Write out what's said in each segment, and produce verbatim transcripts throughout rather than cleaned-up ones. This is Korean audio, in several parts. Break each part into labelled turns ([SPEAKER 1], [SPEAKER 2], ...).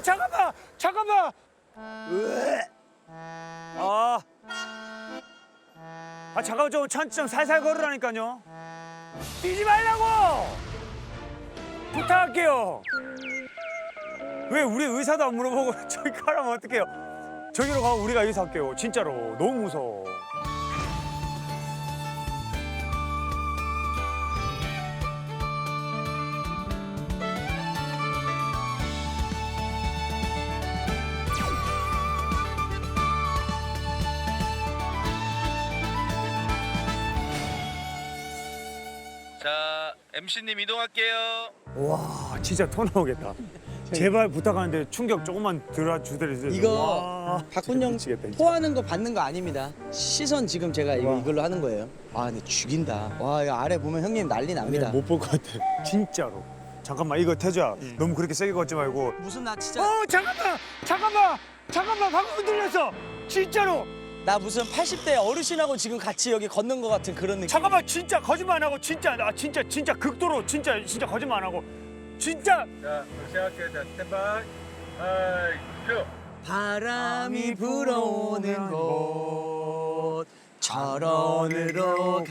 [SPEAKER 1] 잠깐만 잠깐만. 으에. 아. 아 잠깐만 좀 천천히 좀 살살 걸으라니까요. 뛰지 말라고. 부탁할게요. 왜 우리 의사도 안 물어보고 저기 가라면 어떡해요? 저기로 가고 우리가 의사할게요. 진짜로 너무 무서워.
[SPEAKER 2] 자, 엠씨님 이동할게요.
[SPEAKER 1] 와 진짜 토 나오겠다. 제발 부탁하는데 충격 조금만 들어주더라도.
[SPEAKER 3] 이거 박군 형
[SPEAKER 1] 미치겠다, 진짜.
[SPEAKER 3] 토하는 거 받는 거 아닙니다. 시선 지금 제가 이거
[SPEAKER 1] 와.
[SPEAKER 3] 이걸로 하는 거예요. 아 근데 죽인다. 와 이거 아래 보면 형님 난리 납니다.
[SPEAKER 1] 못 볼 것 같아. 진짜로. 잠깐만 이거 태주야 너무 그렇게 세게 걷지 말고.
[SPEAKER 3] 무슨 나 진짜
[SPEAKER 1] 어 잠깐만 잠깐만 잠깐만 방금 흔들렸어. 진짜로.
[SPEAKER 3] 나 무슨 팔십 대 어르신하고 지금 같이 여기 걷는 것 같은 그런 느낌.
[SPEAKER 1] 잠깐만 진짜 거짓말 안 하고 진짜 나 진짜 진짜 극도로 진짜 진짜 거짓말 안 하고 진짜.
[SPEAKER 2] 자, 시작할게요. 자, 스탠바이. 하이, 큐.
[SPEAKER 3] 바람이 불어오는 곳 철원으로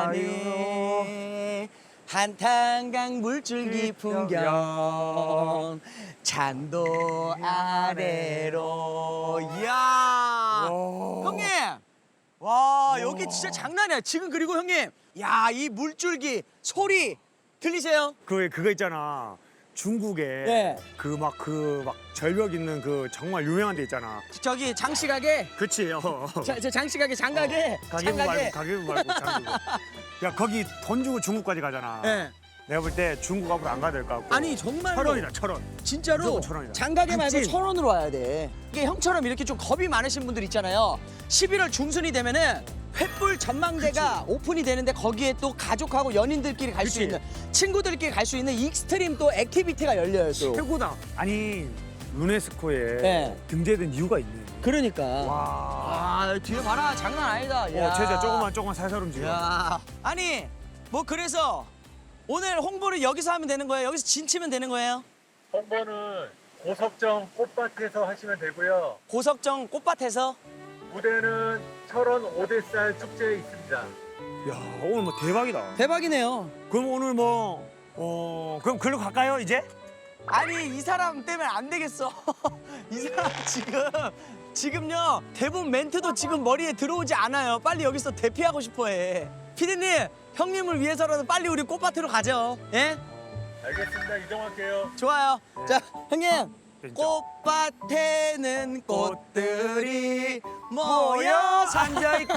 [SPEAKER 3] 가네 한탄강 물줄기 풍경 잔도 아래로 이야 형님 와 여기 진짜 장난이야 지금 그리고 형님 야 이 물줄기 소리 들리세요?
[SPEAKER 1] 그 그거 있잖아. 중국에
[SPEAKER 3] 네.
[SPEAKER 1] 그 막 그 막 절벽 있는 그 정말 유명한 데 있잖아.
[SPEAKER 3] 저기 장식하게
[SPEAKER 1] 그치. 어.
[SPEAKER 3] 자, 저 장식하게 장가게
[SPEAKER 1] 가게부 말고
[SPEAKER 3] 장가게
[SPEAKER 1] 가게부 말고 장가게. 야 거기 돈 주고 중국까지 가잖아.
[SPEAKER 3] 예.
[SPEAKER 1] 내가 볼 때 중국 앞으로 안 가야 될 것 같고.
[SPEAKER 3] 아니 정말로
[SPEAKER 1] 철원이다 철원.
[SPEAKER 3] 진짜로
[SPEAKER 1] 무조건 천 원이다.
[SPEAKER 3] 장가게 말고
[SPEAKER 1] 극진.
[SPEAKER 3] 천 원으로 와야 돼. 이게 형처럼 이렇게 좀 겁이 많으신 분들 있잖아요. 십일월 중순이 되면은 횃불 전망대가 오픈이 되는데 거기에 또 가족하고 연인들끼리 갈 수
[SPEAKER 1] 그치.
[SPEAKER 3] 있는 친구들끼리 갈 수 있는 익스트림 또 액티비티가 열려요. 또.
[SPEAKER 1] 최고다. 아니 유네스코에
[SPEAKER 3] 네.
[SPEAKER 1] 등재된 이유가 있네.
[SPEAKER 3] 그러니까.
[SPEAKER 1] 와.
[SPEAKER 3] 아 뒤에 봐라 장난 아니다.
[SPEAKER 1] 어, 제자 조금만 조금만 살살 움직여.
[SPEAKER 3] 야. 아니 뭐 그래서 오늘 홍보를 여기서 하면 되는 거예요? 여기서 진치면 되는 거예요?
[SPEAKER 2] 홍보는 고석정 꽃밭에서 하시면 되고요.
[SPEAKER 3] 고석정 꽃밭에서
[SPEAKER 2] 무대는 철원 오대살 축제에 있습니다.
[SPEAKER 1] 야 오늘 뭐 대박이다.
[SPEAKER 3] 대박이네요.
[SPEAKER 1] 그럼 오늘 뭐 어, 그럼 글로 갈까요 이제?
[SPEAKER 3] 아니 이 사람 때문에 안 되겠어. 이 사람 지금 지금요 대본 멘트도 지금 머리에 들어오지 않아요. 빨리 여기서 대피하고 싶어해. 피디님 형님을 위해서라도 빨리 우리 꽃밭으로 가죠. 예?
[SPEAKER 2] 알겠습니다. 이동할게요.
[SPEAKER 3] 좋아요. 자 형님
[SPEAKER 1] 진짜.
[SPEAKER 3] 꽃밭에는 꽃들이 모여
[SPEAKER 1] 앉아 있고.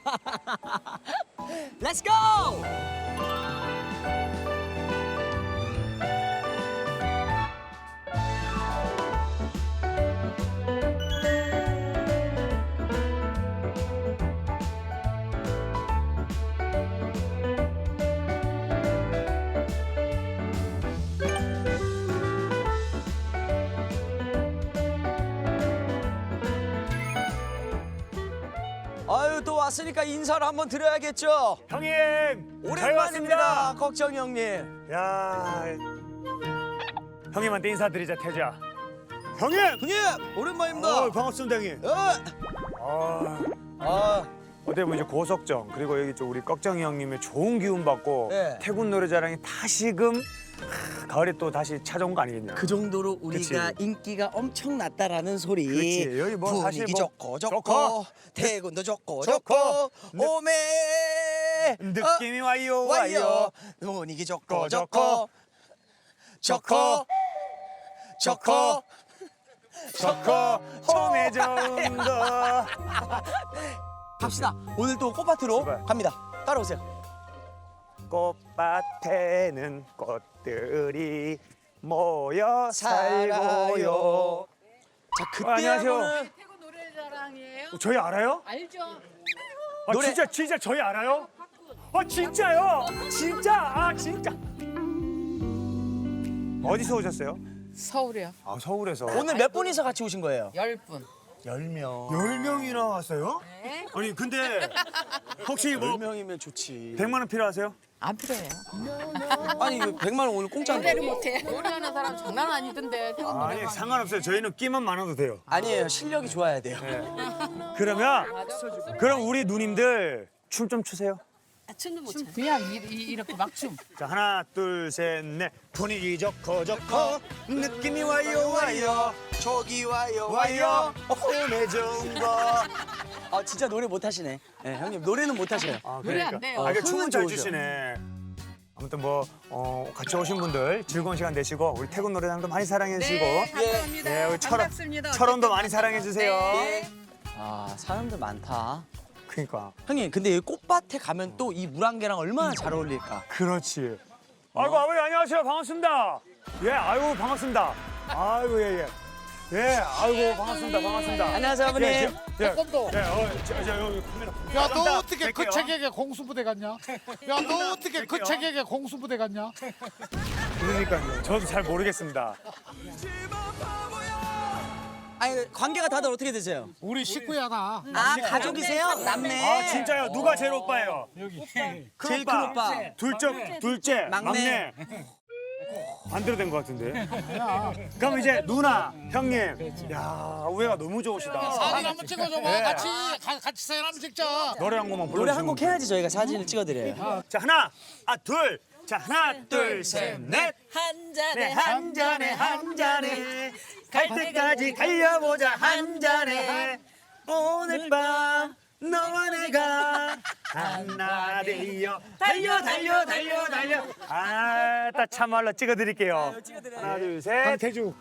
[SPEAKER 3] Let's go! 아유 또 왔으니까 인사를 한번 드려야겠죠.
[SPEAKER 1] 형님 잘
[SPEAKER 3] 오랜만입니다,
[SPEAKER 1] 왔습니다.
[SPEAKER 3] 걱정 형님.
[SPEAKER 1] 야 형님한테 인사드리자 태주야. 형님.
[SPEAKER 3] 형님 오랜만입니다.
[SPEAKER 1] 어, 반갑습니다 형님.
[SPEAKER 3] 어.
[SPEAKER 1] 아,
[SPEAKER 3] 아,
[SPEAKER 1] 어때 보면 이제 고석정 그리고 여기 좀 우리 꺽정이 형님의 좋은 기운 받고
[SPEAKER 3] 네.
[SPEAKER 1] 태군 노래자랑이 다시금 하, 가을에 또 다시 찾아온 거 아니겠냐.
[SPEAKER 3] 그 정도로 우리가
[SPEAKER 1] 그치.
[SPEAKER 3] 인기가 엄청 났다라는 소리.
[SPEAKER 1] 그치. 여기 뭐
[SPEAKER 3] 분위기
[SPEAKER 1] 사실 뭐
[SPEAKER 3] 좋고 좋고,
[SPEAKER 1] 좋고,
[SPEAKER 3] 태군도 좋고
[SPEAKER 1] 좋고,
[SPEAKER 3] 좋고,
[SPEAKER 1] 느-
[SPEAKER 3] 오메
[SPEAKER 1] 느낌이 와요
[SPEAKER 3] 어,
[SPEAKER 1] 와요.
[SPEAKER 3] 와요. 분위기 좋고
[SPEAKER 1] 좋고,
[SPEAKER 3] 좋고 좋고 좋고
[SPEAKER 1] 좋고 처음에 좋은 거.
[SPEAKER 3] 갑시다. 오늘 또 꽃밭으로
[SPEAKER 1] 출발.
[SPEAKER 3] 갑니다. 따라오세요.
[SPEAKER 1] 꽃밭에는 꽃들이 모여 살고요.
[SPEAKER 3] 자
[SPEAKER 1] 어,
[SPEAKER 3] 그때
[SPEAKER 1] 안녕하세요.
[SPEAKER 3] 하고는
[SPEAKER 4] 태국 노래자랑이에요?
[SPEAKER 1] 저희 알아요?
[SPEAKER 4] 알죠?
[SPEAKER 1] 아
[SPEAKER 3] 노래-
[SPEAKER 1] 진짜 진짜 저희 알아요? 아 진짜요? 진짜 아 진짜. 어디서 오셨어요?
[SPEAKER 4] 서울이요.
[SPEAKER 1] 아 서울에서.
[SPEAKER 3] 오늘 몇 분이서 같이 오신 거예요?
[SPEAKER 4] 열 분.
[SPEAKER 3] 열 명.
[SPEAKER 1] 열 명이나 왔어요?
[SPEAKER 4] 네.
[SPEAKER 1] 아니 근데 혹시 뭐
[SPEAKER 3] 열 명이면 좋지.
[SPEAKER 1] 백만 원 필요하세요?
[SPEAKER 4] 안 필요해요.
[SPEAKER 3] 아니 이거 백만 원 오늘 공짜인데.
[SPEAKER 4] 노래를 못해. 노래하는 사람 장난 아니던데. 태국
[SPEAKER 1] 아니
[SPEAKER 4] 노래방.
[SPEAKER 1] 상관없어요. 저희는 끼만 많아도 돼요.
[SPEAKER 3] 아니에요. 실력이 좋아야 돼요.
[SPEAKER 1] 그러면 그럼 우리 누님들 춤 좀 추세요.
[SPEAKER 4] 춤도 못 춰. 그냥 이, 이, 이렇게 막 춤.
[SPEAKER 1] 자 하나 둘 셋 넷 분위기 좋고 좋고 느낌이 와요 와요
[SPEAKER 3] 저기 와요
[SPEAKER 1] 와요 홈에 좋은 거.
[SPEAKER 3] 아 진짜 노래 못 하시네. 네, 형님 노래는 못 하셔요.
[SPEAKER 1] 아,
[SPEAKER 4] 노래 안 돼요.
[SPEAKER 1] 아, 이게
[SPEAKER 3] 어,
[SPEAKER 1] 춤은
[SPEAKER 3] 흥은
[SPEAKER 1] 잘
[SPEAKER 3] 좋으셔.
[SPEAKER 1] 추시네. 아무튼 뭐 어, 같이 오신 분들 즐거운 시간 되시고 우리 태국 노래장도 많이 사랑해 주시고
[SPEAKER 4] 네, 감사합니다.
[SPEAKER 1] 네, 우리 철원,
[SPEAKER 4] 반갑습니다.
[SPEAKER 1] 철원도 많이
[SPEAKER 4] 어쨌든
[SPEAKER 1] 사랑해 주세요.
[SPEAKER 4] 네.
[SPEAKER 3] 아 사람들 많다.
[SPEAKER 1] 그러니까
[SPEAKER 3] 형님 근데 여기 꽃밭에 가면 또 이 물안개랑 얼마나 잘 어울릴까.
[SPEAKER 1] 그렇지. 아이고 아버지 안녕하세요 반갑습니다. 예 아이고 반갑습니다. 아이고 예예. 예. 예, 아이고 반갑습니다 반갑습니다.
[SPEAKER 3] 안녕하세요, 아버님.
[SPEAKER 1] 예, 저, 예,
[SPEAKER 5] 태권도.
[SPEAKER 1] 예, 어, 저, 저 여기 카메라.
[SPEAKER 5] 야, 너
[SPEAKER 1] 깜짝
[SPEAKER 5] 어떻게 그
[SPEAKER 1] 뵐게요.
[SPEAKER 5] 책에게 공수부대 갔냐? 야, 너 어떻게 그
[SPEAKER 1] 뵐게요.
[SPEAKER 5] 책에게 공수부대 갔냐?
[SPEAKER 1] 그러니까요. 저도 잘 모르겠습니다.
[SPEAKER 3] 아니 관계가 다들 어떻게 되세요?
[SPEAKER 5] 우리 식구야 나.
[SPEAKER 3] 아 가족이세요? 남매.
[SPEAKER 1] 아 진짜요? 누가 제일 오빠예요?
[SPEAKER 5] 여기.
[SPEAKER 3] 제일 큰 오빠.
[SPEAKER 1] 둘째, 둘째,
[SPEAKER 3] 막내.
[SPEAKER 1] 막내. 반대로 된 것 같은데. 그럼 이제 누나, 형님. 야 우애가 너무 좋으시다.
[SPEAKER 5] 사진 한번 찍어줘봐.
[SPEAKER 1] 네.
[SPEAKER 5] 같이 가, 같이 사진 한번 찍자.
[SPEAKER 1] 노래 한 곡만 불러주시면
[SPEAKER 3] 노래 한 곡
[SPEAKER 1] 돼요.
[SPEAKER 3] 해야지 저희가 사진을 찍어드려요.
[SPEAKER 1] 자 하나, 아 둘. 자 하나, 둘, 셋, 넷.
[SPEAKER 4] 한
[SPEAKER 1] 네,
[SPEAKER 4] 잔에
[SPEAKER 1] 한 잔에 한 잔에 갈 때까지 달려보자 한 잔에 오늘 밤 너와 내가 하나 되어 달려 달려 달려 달려 아따 참말로 찍어드릴게요. 하나 둘 셋. 강태주.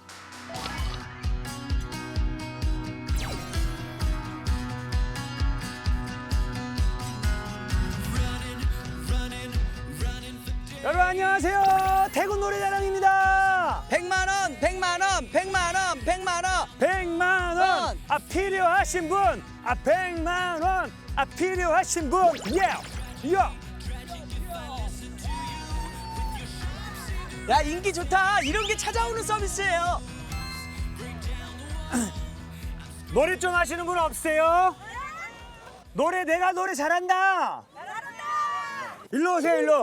[SPEAKER 1] 여러분 안녕하세요. 태국 노래자랑입니다.
[SPEAKER 3] 백만 원, 백만 원, 백만 원, 백만 원.
[SPEAKER 1] 백만 원.
[SPEAKER 3] 원.
[SPEAKER 1] 아 필요하신 분. 아 백만 원. 아 필요하신 분. 예. 야.
[SPEAKER 3] 야 인기 좋다. 이런 게 찾아오는 서비스예요.
[SPEAKER 1] 노래 좀 하시는 분 없으세요? 노래 내가 노래 잘한다. 잘한다. 일로 오세요 일로.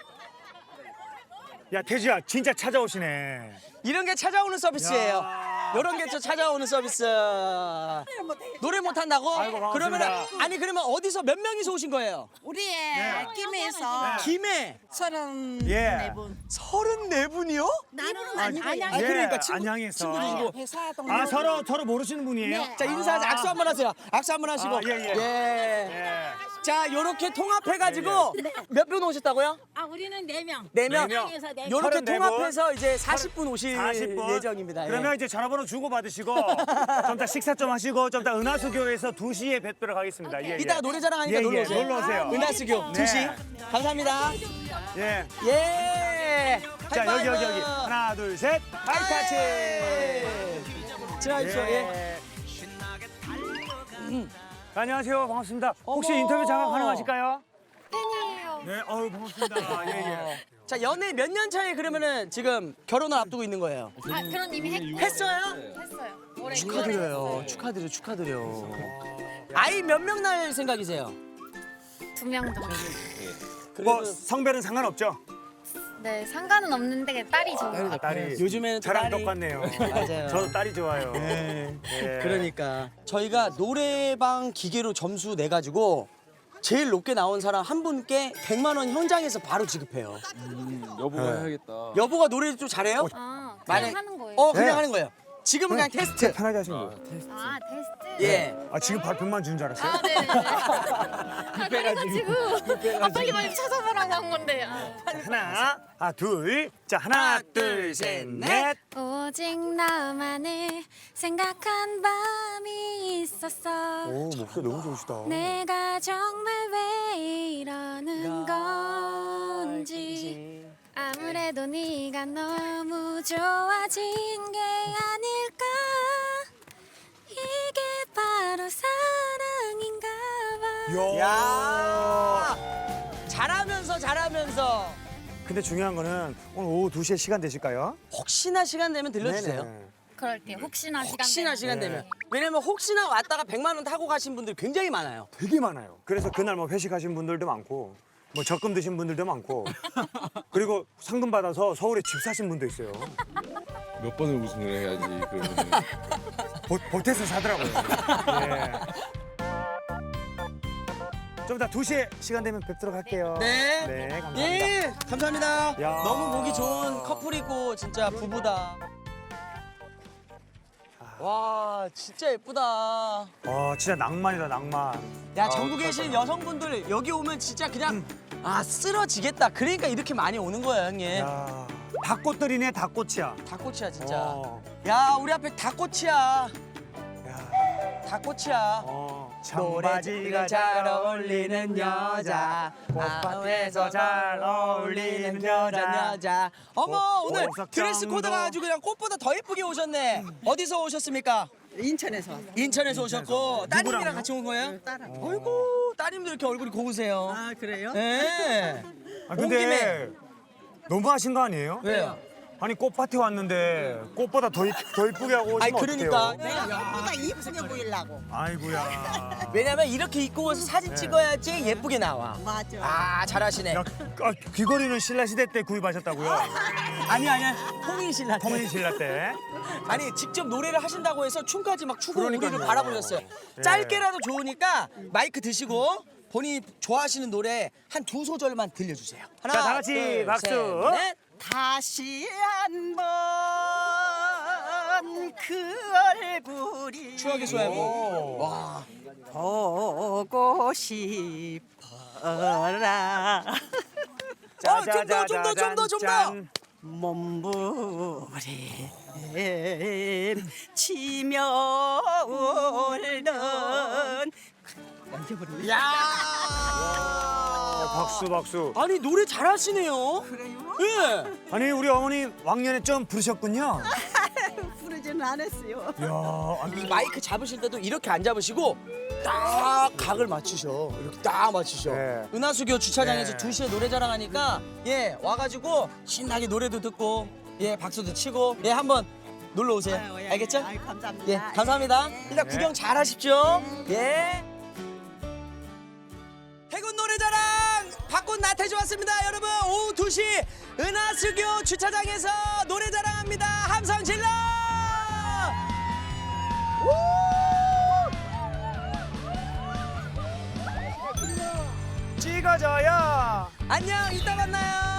[SPEAKER 1] 야 태주야 진짜 찾아오시네.
[SPEAKER 3] 이런 게 찾아오는 서비스예요.
[SPEAKER 1] 야.
[SPEAKER 3] 이런 게 또 찾아오는 서비스. 노래 못 한다고?
[SPEAKER 1] 아이고, 반갑습니다.
[SPEAKER 3] 그러면 아니 그러면 어디서 몇 명이서 오신 거예요?
[SPEAKER 4] 우리의 김에서
[SPEAKER 3] 김해
[SPEAKER 4] 서른
[SPEAKER 1] 예.
[SPEAKER 4] 네 분.
[SPEAKER 3] 서른네 분이요?
[SPEAKER 4] 나는
[SPEAKER 1] 아니,
[SPEAKER 4] 안양.
[SPEAKER 3] 아, 그러니까 친구-
[SPEAKER 1] 안양에서.
[SPEAKER 3] 친구들이시고.
[SPEAKER 4] 회사 동료.
[SPEAKER 1] 아 서로 서로 모르시는 분이에요?
[SPEAKER 4] 네.
[SPEAKER 3] 자 인사하자. 악수 한번 하세요. 악수 한번 하시고.
[SPEAKER 1] 아, 예, 예.
[SPEAKER 3] 예.
[SPEAKER 1] 예.
[SPEAKER 3] 자 요렇게 통합해가지고 몇 분 오셨다고요?
[SPEAKER 4] 아 우리는 네 명.
[SPEAKER 3] 네 명.
[SPEAKER 1] 네 명.
[SPEAKER 4] 안양에서 네 명.
[SPEAKER 3] 요렇게
[SPEAKER 1] 서른네 분.
[SPEAKER 3] 통합해서 이제 사십 분 오실
[SPEAKER 1] 사십 분
[SPEAKER 3] 예정입니다. 예.
[SPEAKER 1] 그러면 이제 전화번호 주고 받으시고 좀 이따 식사 좀 하시고 좀 이따 은하수교에서 두 시에 뵙도록 하겠습니다. 예, 예.
[SPEAKER 3] 이따가 노래자랑 하니까
[SPEAKER 1] 예,
[SPEAKER 3] 놀러
[SPEAKER 1] 예,
[SPEAKER 3] 오세요.
[SPEAKER 1] 놀러 오세요.
[SPEAKER 3] 은하수교
[SPEAKER 1] 네.
[SPEAKER 3] 두 시. 감사합니다.
[SPEAKER 1] 예.
[SPEAKER 3] 예.
[SPEAKER 1] 자 여기 여기 여기
[SPEAKER 3] 하이파이브.
[SPEAKER 1] 하나 둘 셋.
[SPEAKER 3] 하이타치. 지나십시오. 예.
[SPEAKER 1] 예. 안녕하세요 반갑습니다. 혹시
[SPEAKER 3] 어머.
[SPEAKER 1] 인터뷰 잠깐 가능하실까요?
[SPEAKER 4] 팬이에요.
[SPEAKER 1] 네, 어유 반갑습니다. 예 예.
[SPEAKER 3] 자 연애 몇 년 차에 그러면은 지금 결혼을 앞두고 있는 거예요?
[SPEAKER 4] 아 그런 이미 했,
[SPEAKER 3] 했어요?
[SPEAKER 4] 했어요. 올해
[SPEAKER 3] 축하드려요. 축하드려 축하드려. 아이 몇 명 낳을 생각이세요?
[SPEAKER 4] 두명 정도.
[SPEAKER 1] 뭐 성별은 상관없죠?
[SPEAKER 4] 네 상관은 없는데 딸이 좋은
[SPEAKER 1] 아, 딸이
[SPEAKER 3] 요즘에는 또
[SPEAKER 1] 저랑
[SPEAKER 3] 딸이-
[SPEAKER 1] 똑같네요.
[SPEAKER 3] 맞아요.
[SPEAKER 1] 저도 딸이 좋아요.
[SPEAKER 3] 네.
[SPEAKER 1] 예.
[SPEAKER 3] 그러니까 저희가 노래방 기계로 점수 내 가지고 제일 높게 나온 사람 한 분께 백만 원 현장에서 바로 지급해요.
[SPEAKER 6] 여보가 해야겠다.
[SPEAKER 3] 여보가 노래를 좀 잘해요?
[SPEAKER 4] 아
[SPEAKER 3] 만약-
[SPEAKER 4] 그냥 하는 거예요.
[SPEAKER 3] 어 그냥
[SPEAKER 1] 네.
[SPEAKER 3] 하는 거예요. 지금은 그냥 테스트.
[SPEAKER 1] 편하게 하시는 거예요.
[SPEAKER 4] 아 테스트.
[SPEAKER 3] 예.
[SPEAKER 1] 아 지금 발표만 주는 줄 알았어요?
[SPEAKER 4] 아 네네. 아 그래가지고 아 빨리 빨리 찾아보라고 한 건데. 아.
[SPEAKER 1] 하나, 아 둘, 자 하나, 둘, 셋, 넷.
[SPEAKER 7] 오직 너만을 생각한 밤이 있었어.
[SPEAKER 1] 오 목소리 너무 좋으시다.
[SPEAKER 7] 내가 정말 왜 이러는 건지 아무래도 네가 너무 좋아진 게 아닐까. 이게 바로 사랑인가 봐.
[SPEAKER 3] 야. 잘하면서 잘하면서
[SPEAKER 1] 근데 중요한 거는 오늘 오후 두 시에 시간 되실까요?
[SPEAKER 3] 혹시나 시간 되면 들려주세요.
[SPEAKER 1] 네네.
[SPEAKER 4] 그럴게요. 혹시나 시간
[SPEAKER 3] 혹시나
[SPEAKER 4] 되면.
[SPEAKER 3] 시간
[SPEAKER 1] 네.
[SPEAKER 3] 되면. 왜냐면 혹시나 왔다가 백만 원 타고 가신 분들 굉장히 많아요.
[SPEAKER 1] 되게 많아요. 그래서 그날 뭐 회식하신 분들도 많고 뭐 적금 드신 분들도 많고 그리고 상금 받아서 서울에 집 사신 분도 있어요.
[SPEAKER 6] 몇 번을 우승을 해야지 그러면.
[SPEAKER 1] 보, 보태서 사더라고요. 예. 좀 이따 두 시에 시간 되면 뵙도록 할게요.
[SPEAKER 3] 네.
[SPEAKER 1] 네, 감사합니다.
[SPEAKER 3] 예, 감사합니다.
[SPEAKER 1] 야.
[SPEAKER 3] 너무 보기 좋은 커플이고 진짜 부부다. 와, 진짜 예쁘다.
[SPEAKER 1] 와, 진짜 낭만이다, 낭만.
[SPEAKER 3] 야,
[SPEAKER 1] 아,
[SPEAKER 3] 전국에 계신 여성분들 여기 오면 진짜 그냥 아, 쓰러지겠다. 그러니까 이렇게 많이 오는 거예요, 형님.
[SPEAKER 1] 야, 닭꽃들이네, 닭꽃이야.
[SPEAKER 3] 닭꼬치야, 진짜.
[SPEAKER 1] 어,
[SPEAKER 3] 야, 우리 앞에 닭꼬치야.
[SPEAKER 1] 야,
[SPEAKER 3] 닭꼬치야.
[SPEAKER 1] 어.
[SPEAKER 3] 노래가 잘 어울리는 여자,
[SPEAKER 1] 꽃밭에서 잘 어울리는 여자.
[SPEAKER 3] 여자. 어머, 오늘
[SPEAKER 1] 보석정도.
[SPEAKER 3] 드레스 코드가 아주 그냥 꽃보다 더 예쁘게 오셨네. 어디서 오셨습니까?
[SPEAKER 8] 인천에서 왔어요.
[SPEAKER 3] 인천에서 오셨고 따님이랑
[SPEAKER 1] 누구랑요?
[SPEAKER 3] 같이 온 거예요?
[SPEAKER 8] 딸하고.
[SPEAKER 3] 아이고, 따님도 이렇게 얼굴이 고우세요.
[SPEAKER 8] 아 그래요?
[SPEAKER 3] 네.
[SPEAKER 1] 아,
[SPEAKER 3] 온 김에.
[SPEAKER 1] 근데 너무 하신 거 아니에요?
[SPEAKER 3] 왜요?
[SPEAKER 1] 아니, 꽃밭에 왔는데 꽃보다 더, 이- 더 이쁘게 하고 오시면
[SPEAKER 3] 아니, 그러니까.
[SPEAKER 1] 어떡해요?
[SPEAKER 8] 내가 꽃보다 이쁘게 보이려고.
[SPEAKER 1] 아이고야.
[SPEAKER 3] 왜냐면 이렇게 입고 와서 사진 찍어야지 예쁘게 나와.
[SPEAKER 8] 맞아.
[SPEAKER 3] 아, 잘하시네.
[SPEAKER 1] 야, 아, 귀걸이는 신라 시대 때 구입하셨다고요?
[SPEAKER 3] 아니, 아니, 통일신라.
[SPEAKER 1] 통일 신라 때.
[SPEAKER 3] 아니, 직접 노래를 하신다고 해서 춤까지 막 추고
[SPEAKER 1] 그러니까요.
[SPEAKER 3] 우리를 바라보셨어요.
[SPEAKER 1] 예.
[SPEAKER 3] 짧게라도 좋으니까 마이크 드시고 본인이 좋아하시는 노래 한 두 소절만 들려주세요. 하나,
[SPEAKER 1] 자, 다 같이
[SPEAKER 3] 둘,
[SPEAKER 1] 박수.
[SPEAKER 3] 셋, 넷.
[SPEAKER 8] 다시 한번 그 얼굴이
[SPEAKER 3] 추억의 소야고. 와.
[SPEAKER 8] 보고 싶어라.
[SPEAKER 3] 어, 좀 더, 좀 더, 좀 더, 좀 더.
[SPEAKER 1] 짠.
[SPEAKER 8] 몸부림 치며 울던
[SPEAKER 3] 야.
[SPEAKER 1] 아, 박수, 박수.
[SPEAKER 3] 아니, 노래 잘하시네요.
[SPEAKER 8] 그래요?
[SPEAKER 3] 예.
[SPEAKER 1] 아니, 우리 어머니 왕년에 좀 부르셨군요.
[SPEAKER 8] 부르지는 않았어요.
[SPEAKER 1] 이야, 아니,
[SPEAKER 3] 이 마이크 잡으실 때도 이렇게 안 잡으시고 딱 각을 맞추셔. 이렇게 딱 맞추셔.
[SPEAKER 1] 네.
[SPEAKER 3] 은하수교 주차장에서
[SPEAKER 1] 네.
[SPEAKER 3] 두 시에 노래 자랑하니까 예, 와가지고 신나게 노래도 듣고 예, 박수도 치고 예, 한번 놀러 오세요.
[SPEAKER 8] 아유, 예,
[SPEAKER 3] 알겠죠?
[SPEAKER 8] 예. 아유, 감사합니다.
[SPEAKER 3] 예, 감사합니다.
[SPEAKER 8] 네.
[SPEAKER 3] 일단 구경 잘 하십시오. 예. 해군 노래자랑 박군 나태주 왔습니다. 여러분, 오후 두 시 은하수교 주차장에서 노래자랑합니다. 함성 질러!
[SPEAKER 1] 찍어줘요.
[SPEAKER 3] 안녕, 이따 만나요.